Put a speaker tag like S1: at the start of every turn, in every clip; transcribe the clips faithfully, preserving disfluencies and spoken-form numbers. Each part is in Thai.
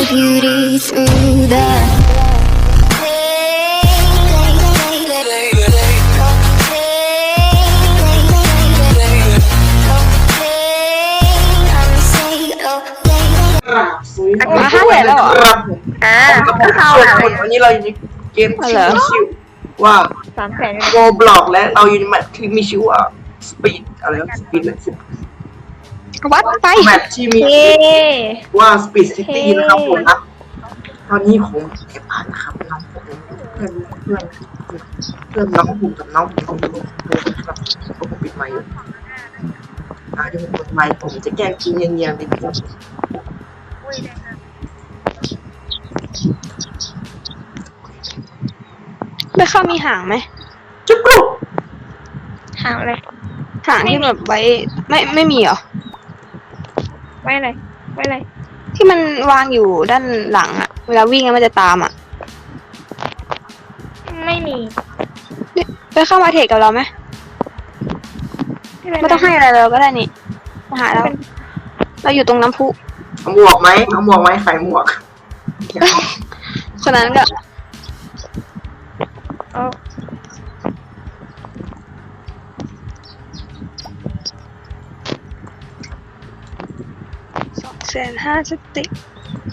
S1: beauty through the
S2: มาห้าแสนแล้วเหรอ
S3: ครับผม
S2: อ่า
S3: กับ
S2: ก็เข้า
S3: ส่วน
S2: แล้ว
S3: คนวันนี้เราอยู่ในเกม
S2: อ๋อ
S3: ชิ
S2: เหรอ
S3: วชิวว่า
S2: สามแสน
S3: โกบล็อกและเราอยู่ในแมตช์ที่มีชื่อว่าสปีดอะไรสปีดเลยสิ
S2: วัดไป
S3: แมตช์ที่มี
S2: เฮ้
S3: ว่าสปีดซิตี้
S2: เฮ้
S3: นะครับผมนะตอนนี้ผมเก็บผ่านนะครับน้องผมเพื่อนเพื่อนเพื่อนน้องผมกับน้องผมครับผมปิดไมค์อยู่อ่าเดี๋ยวผมเปิดไมค์ผมจะแกล้งกินเงียบๆนิดนึง
S2: ไม่เข้ามีหางไหม
S3: จุ๊บกรุบ
S2: หางอะไรหางที่แบบไว้ไม่ไม่มีเหรอ
S4: ไว้อะไรไว้อะไร
S2: ที่มันวางอยู่ด้านหลังอะเวลาวิ่งแล้วมันจะตามอะ
S4: ไม่มี
S2: ไปเข้ามาเทรดกับเราไหมไม่ต้องให้อะไรเราก็ได้นี่มาหาเราเราอยู่ตรงน้ำพุ
S3: เอาหมวกไหมเอาหมวกไหมใส่หมวก
S2: คนนั้นก็
S4: เอา
S2: สองแสนห้าสติก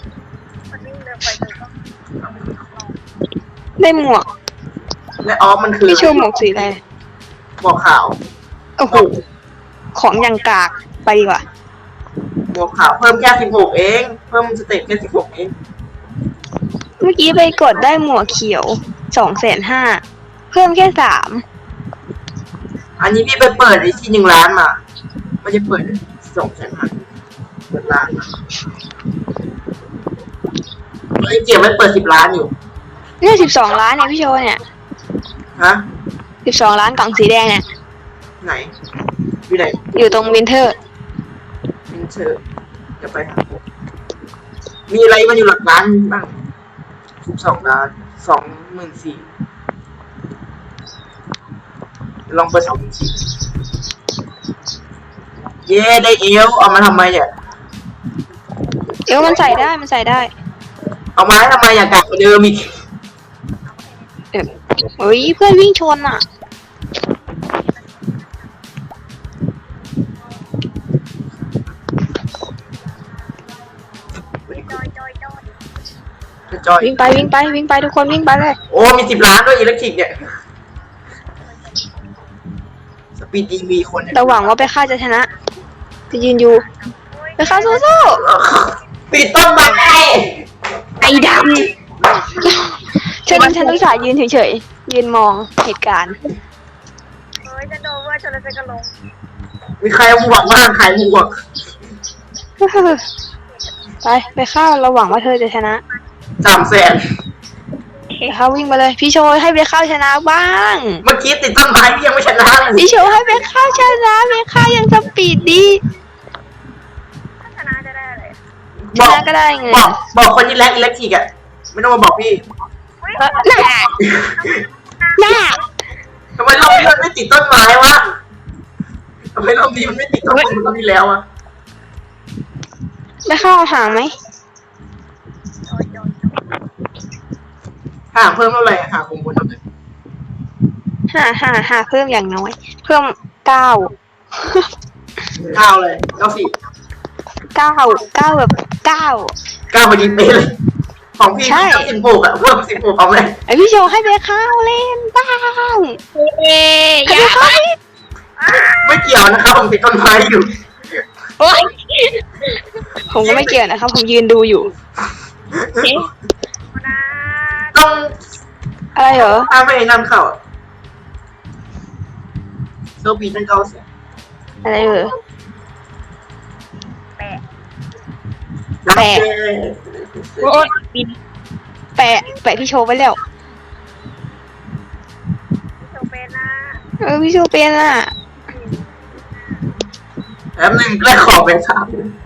S2: ได้หมวก
S3: และออฟมันคือ
S2: พี่โชว์หมวกสีอะไร
S3: หมวกขาว
S2: โอ้โหของอย่างกากไปดีกว่า
S3: หมวกขาวเพิ่มแค่สิบหกเองเพิ่มสเต็ปแค่สิบหกเอง
S2: เมื่อกี้ไปกดได้หมวกเขียวสองแสนห้าเพิ่มแค่สาม
S3: อันนี้พี่ไปเปิดไอ้ที่หนึ่งล้านมาไม่ได้เปิดสองแสนห้าเปิดล้านมาไอ้เกียร์ไม่เปิดสิบล้านอยู่
S2: เนี่ยสิบสองล้านเนี่ยพี่โชว์เนี่ย
S3: ฮะ
S2: สิบสองล้านกล่องสีแดงเนี่ย
S3: ไหนอยู่ไหน
S2: อยู่ตรงวินเทอร์
S3: มินเชอร์จะไปหามีอะไรมันอยู่หลักล้านบ้างสิบสองล้านสองหมื่นสี่ลองเปิดสองหมื่นสี่เย้ได้เอลเอามาทำไมเนี่ย
S2: เอวมันใส่ได้มันใส่ได้
S3: เอามาทำไมอยากกลับมาเดิมอีก
S2: เออเฮ้ยเพื่อนวิ่งชนอ่ะ
S3: จอย
S2: วิ่งไปวิ่งไปวิ่งไปทุกคนวิ่งไปเลย
S3: โอ้มีสิบล้านด้วยอิเล็กทริกเนี่ยสปีดดีมีคนเนี่ย
S2: เราหวังว่าไปฆ่าจะชนะ จะยืนอยู่ไปฆ่าสู้
S3: ปิดต้นไม้
S2: ๆไอ้ดำฉันฉันอุตส่าห์ยืนเฉยๆยืนมองเหตุการณ์
S4: เฮ้ยจะโดนว่าชนแล้วจะกระลง
S3: มีใครเอาหมวกบ้างใครหมวก
S2: ไปไปฆ่าเราหวังว่าเธอจะชนะ
S3: สามแสน
S2: ไปฆ่าวิ่งไปเลยพี่โชว์ให้ไปฆ่าชนะบ้าง
S3: เมื่อกี้ติดต้นไม้พี่ยังไม่ชนะเลย
S2: พี่โชว์ให้ไปฆ่าชนะไปฆ่ายังสปีดดี
S4: ถ้าชนะจะได้อะไร
S2: ชนะก็ได้ไง
S3: บอกบอกคนที่แลกอิเล็กทริกอะไม่ต้องมาบอกพี่
S2: เออน่าน่า
S3: ทำไมรอบนี้มันไม่ติดต้นไม้วะทำไมรอบนี้มันไม่ติดต้นไม้เหมือนรอบที่แล้วอะ
S2: ไปฆ่าเอาหางไหม
S3: ห่างเพิ่มเท่าไหร่อะห่างคงบนเท่าไหร่
S2: ห้าห้าห้าเพิ่มอย่างน้อย เพิ่มเก้า
S3: เก้าเลยเก้าสิบ
S2: เก้าเก้าแบบเก้า
S3: เก้าพอดีเป๊ะเลยของพี่
S2: ใช่
S3: เก้าสิบหกอะเพิ่มสิบหกเอาไหม
S2: ไอพี่โชว์ให้ไปฆ่าเล่นบ้าง
S4: เอ๊ย
S2: ให้ไปฆ่า
S3: ไม่เกี่ยวนะครับผมติดต้นไม้อยู่
S2: โอ๊ยผมก็ไม่เกี่ยวนะครับผมยืนดูอยู่
S4: นะ
S3: ต้อง
S2: อะไรเหรอ
S3: ถ้าไม่นั่นเข้าโซบีตั้งเก้าเสีย
S2: อะไรเหรอ
S4: แปะ
S2: แปะ
S4: โอ้ยบิน
S2: แปะแปะพี่โชว์ไปแล้ว
S4: โชว์เป็นนะ
S2: เออพี่โชว์เป็นอ่ะ
S3: แป๊บนึงแรกขอเป็นสาม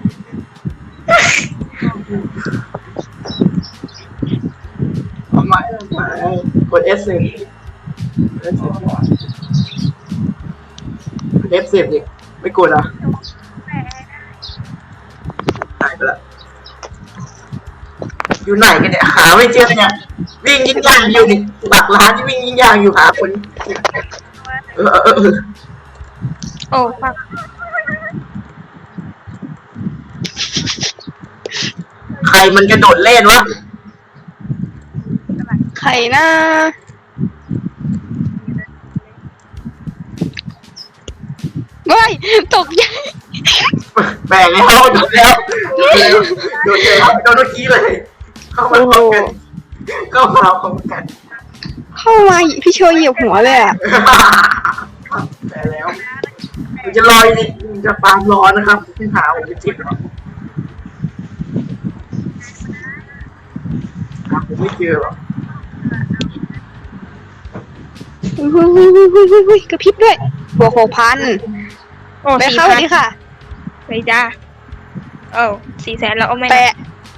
S3: เอาไม้เอาไม้กด F สิบ F สิบดิไม่กดอ่ะ
S4: แปะ
S3: หายไปละอยู่ไหนกันเนี่ยหาไม่เจอเนี่ยวิ่งยิ่งยากอยู่นี่หลักล้านที่วิ่งยิ่งยากอยู่หาคนเออเออเออ
S4: โอ้ฟัง
S3: ใครมันกระโดดเล่นวะ
S2: ใครนะว้ายตกใจ
S3: แบ่งแล้วโดดแล้วโดดแล้วโดดเมื่อกี้เลย เข้ามาพร้อมกันเข้ามาพร้อมกัน
S2: เข้ามาพี่โชว์เหยียบหัวเลยอ่ะ
S3: แต่แล้วมันจะลอยนี่มันจะฟาร์มร้อนนะครับที่หาผมจะจิบหรอผมไม่เจอหรอก
S2: อุ้ยอุ้ยอุ้ยอุ้ยอุ้ยอุ้ยกระพริบด้วยบวกหกพัน
S4: โอ้
S2: ไป
S4: สี่
S2: เข้า
S4: พัน
S2: ดิค่ะ
S4: ไปจ้าเอ้สี่แสนแล้วเอาไหม
S2: แปะ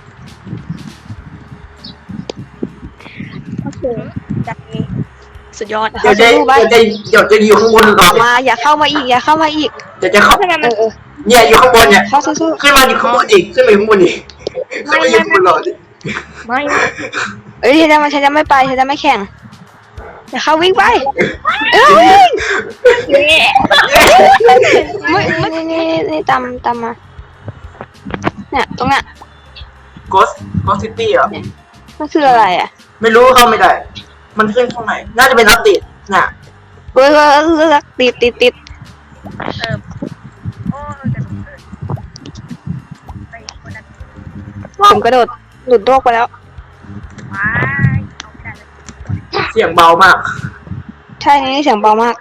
S4: โอเคใจ
S2: สุดยอด
S3: เดี๋ยวจะ
S2: สู้ไป
S3: เดี๋ยวจะเดี๋ยวจะอยู่ข้างบนก่อน
S2: มาอย่าเข้ามาอีกอย่าเข้ามาอีก
S3: เดี๋ยวจะเข้า
S4: ทำไม
S2: เอ
S4: มัน
S2: อเออ
S3: เนี่ยอยู่ข้างบนเนี่ย
S2: เข้าสู้
S3: ขึ้นมาอยู่ข้างบนอีกขึ้นมาอยู่ข้างบนอีกขึ้นมาอยู่ข้างบนหรอดิ
S4: ไม่
S2: ๆเอ้ยฉันจะมาฉันจะไม่ไปฉันจะไม่แข่งอย่าเข้าวิ่งไปเอ้ย
S4: เย้
S2: ไม่ไม่นี่นี่นี่ตามตามมาเนี่ยตรงน่ะ
S3: โกสโกสซิตี้เหรอ
S2: มันคืออะไรอ่ะ
S3: ไม่รู้เข้าไม่ได้ มันขึ้นข้างในน่าจะเป็นอัปเดตน่ะ
S2: เฮ้ยเฮ้ยเฮ้ยติดติดติด
S4: เออโอ้จะหลุดเลยไปคนนั้น
S2: ผมกระโดดหลุดโลกไปแล้ว
S4: ว้ายเอาไม่ได้เลย
S3: เสียงเบามาก
S2: ใช่นี่เสียงเบามาก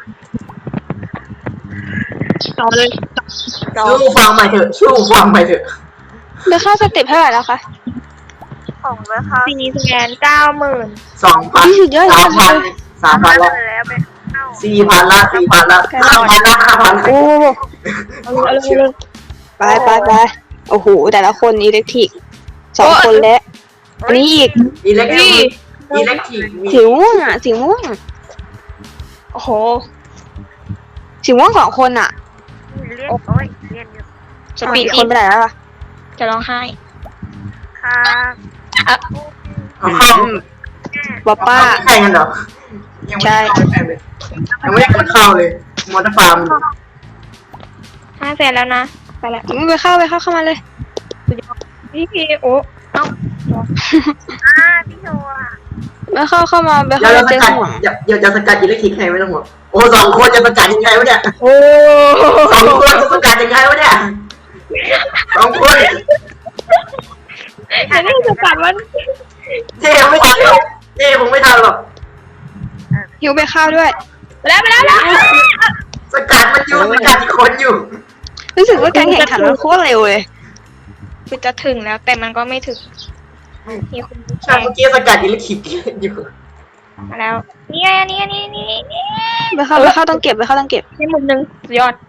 S4: ต่อเลยต่อ
S3: ชู้ฟังใหม่เถอะชู้ฟังใหม่เถอะ
S2: เดี๋ยวเข้าสเต็ปเท่าไหร่แล้วคะ
S4: ของนะคะสี่แสนเก้าหมื่น
S3: สองพัน
S2: นี่สุดยอด
S3: สามพันสามพันละ
S4: แล้วเป็นเก้า
S3: สี่พันละสี่พันละห้าพันละห้าพันละ
S2: โอ้
S4: เอาเลยเอาเลย
S2: ไปไปไปโอ้โหแต่ละคนอิเล็กทริกสองคนแล้วอันนี้อีก
S3: อิเล็กทริกอิเล็กทริกมี
S2: สีม่วงอ่ะสีม่วง
S4: โอ้โห
S2: สีม่วงสองคนอ่ะ
S4: เรียนโอ้ยเรียนอยู่
S2: สปีดคนไปไหนแล้วล่ะ
S4: จะร้องไห้ค่ะ
S3: เอาเข้า
S2: ป้าป้า
S3: ใช่กันเหรอยังไม่ได้เข้าเลยยังไม่ได้กดเข้าเลยมอเตอร์ฟาร์ม
S4: ห้าแสนแล้วนะไปแล้ว
S2: ไม่ไปเข้าไปเข้าเข้ามาเลย
S4: พี่พีโอ้เอ้าอ่าพี่โชว์อะ
S2: ไปเข้าเข้ามาไป
S3: เดี๋ย
S2: เข้าว
S3: เรา
S2: เจ
S3: ส
S2: อ
S3: กัด
S2: ห่วง
S3: เดี๋ยวเดี๋ยวจะสกัดอิเล็กทริกให้ไม่ต้องห่วงโอ้สองคนจะสกัดยังไงวะเนี่ย
S4: โอ้
S3: สองคนจะสกัดยังไงวะเนี่ยสองคน
S4: แต่นี่จะกัดมัน
S3: เจ๊ยังไม่ทันหรอกเจ๊ผมไม่ทันหรอก
S2: หิวไปเข้าด้วย
S4: ไปแล้วไปแล้วแล้ว
S3: สกัดมันอยู่สกัดอีกคนอยู่
S2: รู้สึกว่าการแข่งขันมันโคตรเร็วเลย
S4: คือจะถึงแล้วแต่มันก็ไม่ถึงมีคน
S3: ใช่เมื่อกี้สกัดอิเล็กทริกอยู่
S4: มาแล้วนี่ไงนี่ไงนี่นี่นี่
S2: ไปเข้าไปเข้าต้องเก็บไปเข้าต้องเก็บ
S4: นี่มุมหนึ่งสุดยอด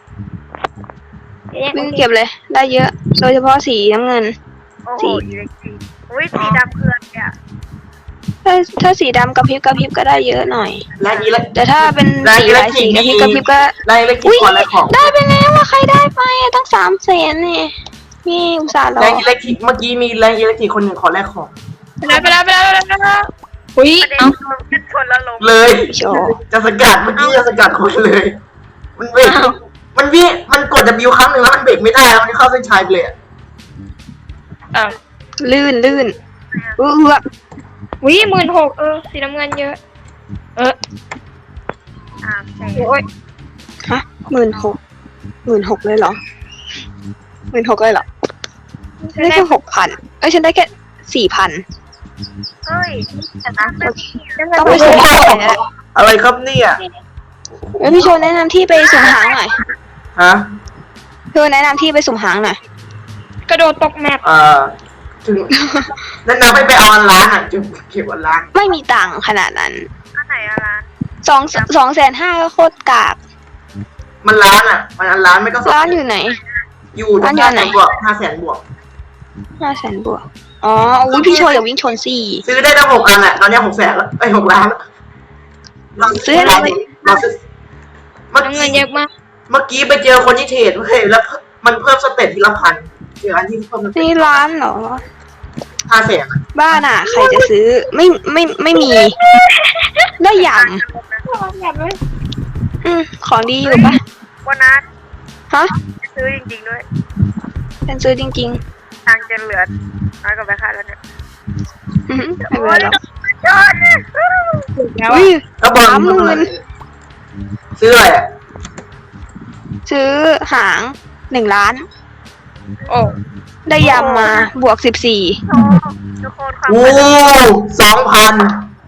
S2: วิ่งเก็บเลย ได้เยอะ โดยเฉพาะสีน้ำเงิน
S4: โอ้โหอิเล็กทริกอุ้ยสีดำเพื่อนเนี่ย
S2: ถ้าถ้าสีดำกระพริบกระพริบก็ได้เยอะหน่อย
S3: และอิเล็ก
S2: แต่ถ้าเป็นสีหลายสีกระพริบกระพริบก็
S3: และอิเล็กทริกก่อนและของ
S2: ได้ไปแล้วว่าใครได้ไปอะตั้งสามแสนนี่นี่อุตส่าห์รอ
S3: แรงอิเล็กทริกเมื่อกี้มีแรงอิเล็กทริกคนหนึ่งขอแลกของ
S4: ไปแล้วไปแล้วไปแล้วไปแล้วไปแล้วอุ้ยเอ้าชนแล้วลง
S3: เลย
S2: โชว์
S3: จะสกัดเมื่อกี้จะสกัดคนเลย มันเบรกมันวิ่งมันกด W ครั้งหนึ่งแล้วมันเบรกไม่ได้แล้วมันเข้าเส้นชัยไปเลยอะ
S4: เอ้า
S2: ลื่นลื่นเออเออ
S4: อุ้ยหมื่นหกเออสีน้ำเงินเยอะ เอออ่าโอ้ย
S2: ฮะหมื่นหกหมื่นหกเลยเหรอหมื่นหกเลยเหรอได้แค่หกพันเอ้ยฉันได้แค่สี่พัน
S4: เฮ้ยแต่นะ
S2: ต้องไปสุ่มหางหน่อยนะ
S3: อะไรครับเนี่ย
S2: เอ้ยพี่โชว์แนะนำที่ไปสุ่มหางหน่อย
S3: ฮะ
S2: พี่โชว์แนะนำที่ไปสุ่มหางหน่อย
S4: กระโดดตกแมป
S3: เอ่อถึงแนะนำให้ไปเอาอันล้านอ่ะจุดเก็บอันล้าน
S2: ไม่มีตังค์ขนาดนั้น
S4: อันไหนอะร้าน
S2: สองสองแสนห้าก็โคตรกาก
S3: มันล้านอ่ะ มันอันล้านไม่ก็สอง
S2: ร้านอยู่ไหน
S3: อยู่ตรง
S2: ร้านอยู่
S3: ห้า
S2: ไห
S3: แส
S2: น
S3: นบวกห้าแสนบวก
S2: ห้าแสนบวกอ๋ออุ้ยพี่โชว์อย่าวิ่งชนสี่
S3: ซื้อได้ตั้งหกอันอ่ะ ตอนนี้หกแสนแล้วไอ้ยหกล้านแล้วเรา
S2: ซื้ออะไร
S3: เราซื้อเมื่อ
S4: น้ำเงิ
S3: กี้
S4: นเยอะมาก
S3: เมื่อกี้ไปเจอคนที่เทรดเว้ยแล้วมันเพิ่มสเต็ปทีละพันเจออันที่เพิ่มสเต็ป
S2: นี่ร้านเหรอ
S3: ให้าแสน
S2: บ้านอ่ะ ใครจะซื้อไม่ไม่ไม่มี ได้ย
S4: อยากเลย
S2: ำอืมของดีอยู่ปะ
S5: วันนั้น
S2: ฮะ
S5: ซื้อจริงๆด้วย
S2: ฉันซื้อจริง
S5: ทางจะเหลือน้อยกว่าไปค่าแล้วเนี่ย
S2: ๆอือหือไม่เป็นไรหรอก
S5: ยอด
S4: แล้ว
S2: อุ้ย
S3: แล้วบอล
S2: สามหมื่น
S3: ซื้ออะไรอ่ะ
S2: ซื้อหางหนึ่งล้าน
S4: โอ้
S2: ได้ยำมาบวกสิบสี่
S5: โอ้ทุกคนความ
S3: โอ้สองพัน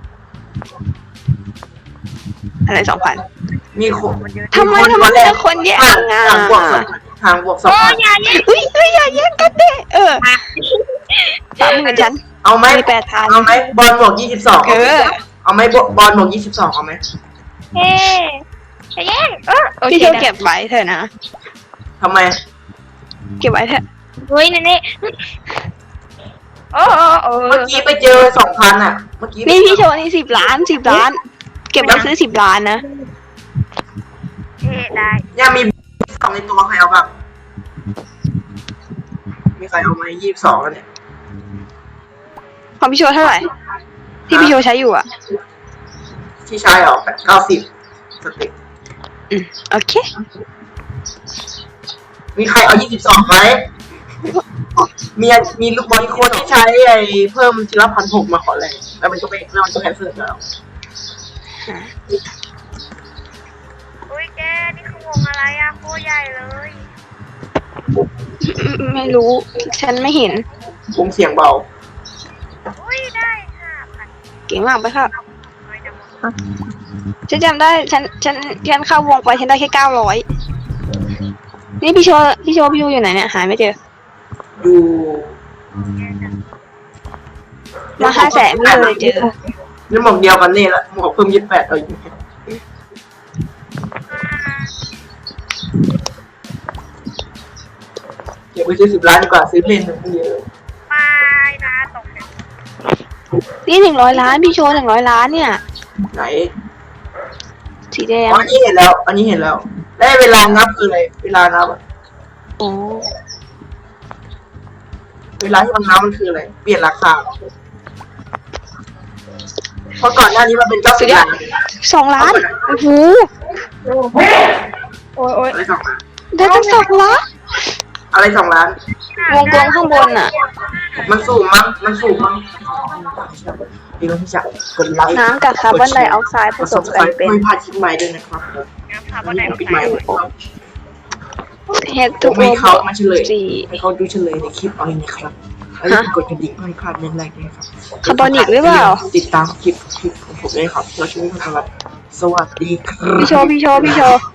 S2: อะไรสองพัน
S3: มีคน
S2: ทำไมทำไมแต่คนแย่งอ่ะ
S3: ห่างบวกสองพันห่างบวกสอง
S4: โอ้
S3: พัน
S4: ยอย่าแย่ง
S2: อุ้ยเอ้ยอย่าแย่งกันเด้เออสามหมื่นฉัน
S3: เอาไหม
S2: มีแปดพัน
S3: เอาไหมบอลบวกยี่สิบสอง
S2: เออ
S3: เอาไหมบอลบอลบวกยี่สิบสองเอาไหม
S4: เฮ้จะแย่งเออโอ
S2: พี่
S4: เค
S2: โช
S4: นะ
S2: เก็บไว้เถอะนะ
S3: ทำไม
S2: เก็บไว้เถอะ
S4: เฮ้ยนั่นนี่โอ้โอ้โอ้
S3: เมื่อกี้ไปเจอสองพันอ่ะ เมื่อกี้
S2: นี่พี่โชนี่สิบล้านสิบล้าน เก็บไว้ซื้อสิบล้านนะ
S5: เอ๊ะได้
S3: ยังมีสองในตัวใครเอาบ้างมีใครเอาไหมยี่สิบสองแล้วเนี่ย
S2: ของพี่โชเท่าไหร่ ที่พี่โชใช้อยู่อ่ะ
S3: ที่ใช้เหรอแปดเก้าสิบสเต็ป
S2: อืมโอเค
S3: มีใครเอายี่สิบสองไหมมีมีลูกบอลคนที่ใช้ไอ้เพิ่มทีละพันหกมาขอแรงแล้วมันก็ไปแล้วมันก็แคนเซิลแล้ว
S5: อุ้ยแกนี่คือวงอะไรอะโคตรใหญ่เลย
S2: ไม่รู้ ฉันไม่เห็น
S3: วงเสียงเบา
S5: อุ้ยได้ห้าพัน
S2: เก่งมากไปค่ะ
S5: น้อยจังวะ
S2: ฉันจำได้ ฉัน ฉัน ฉันเข้าวงไป ฉันได้แค่เก้าร้อย นี่พี่โชพี่โชพี่โชอยู่ไหนเนี่ย หาไม่เจอ
S3: อยู่
S2: มาห้าแสนไม่เลยเจอ
S3: นี่หมวกเดียวกันนี่แหละหมวกเพิ่มยี่สิบแปดเอาอยู่เดี๋ยวไปซื้อสิบล้านดีกว่าซื้อเพลงหนึ่งเดียว
S5: ไม่นะตกเนี่ย
S2: นี่หนึ่งร้อยล้าน พี่โชหนึ่งร้อยล้านเนี่ย
S3: ไหน
S2: สีแดง
S3: อ๋ออันนี้เห็นแล้ว อันนี้เห็นแล้วได้เวลานับคืออะไรเวลานับอะ
S2: อ๋อ
S3: เวลาที่มันนับมันคืออะไรเปลี่ยนราคาเหรอเพราะก่อนหน้านี้มันเป็นเก้าสิบล้าน
S2: สองล้าน โอ้โห
S4: โอ้ยโอ้ย
S3: อะไรสองล้าน
S2: ได้ตั้งสองล้าน
S3: อะไรสองล้าน
S2: วงกลมข้างบนอ่ะ
S3: มันสูงมั้งมันสูงมั้งดีต้องที่จะกดไลค์
S2: น้ำกับคาร์บอนไดออกไซด์ผสมกันเป็น
S3: ไม่พลาดคลิปใหม่ด้วยนะครับ
S5: น้ำพาบอนไหนออก
S3: ปิด
S5: ไป
S3: ไมค์ไว้ครับ
S2: เฮด
S3: ผ
S2: ทู
S3: ม
S2: โอ
S3: ให้เขามาเฉลย
S2: สี่
S3: ให้เขาดูเฉลยในคลิปเอาเองนะครับแล้วกดกระดิ่งเพื่อให้พลาดเรื่องแรกด้วยครับ
S2: คาร์บอนิกหรือเปล่า
S3: ติดตามคลิปคลิปของผมด้วยครับเราช่วยกันครับสวัสดีครับ
S2: พี่โชว์พี่โชว์พี่โชว์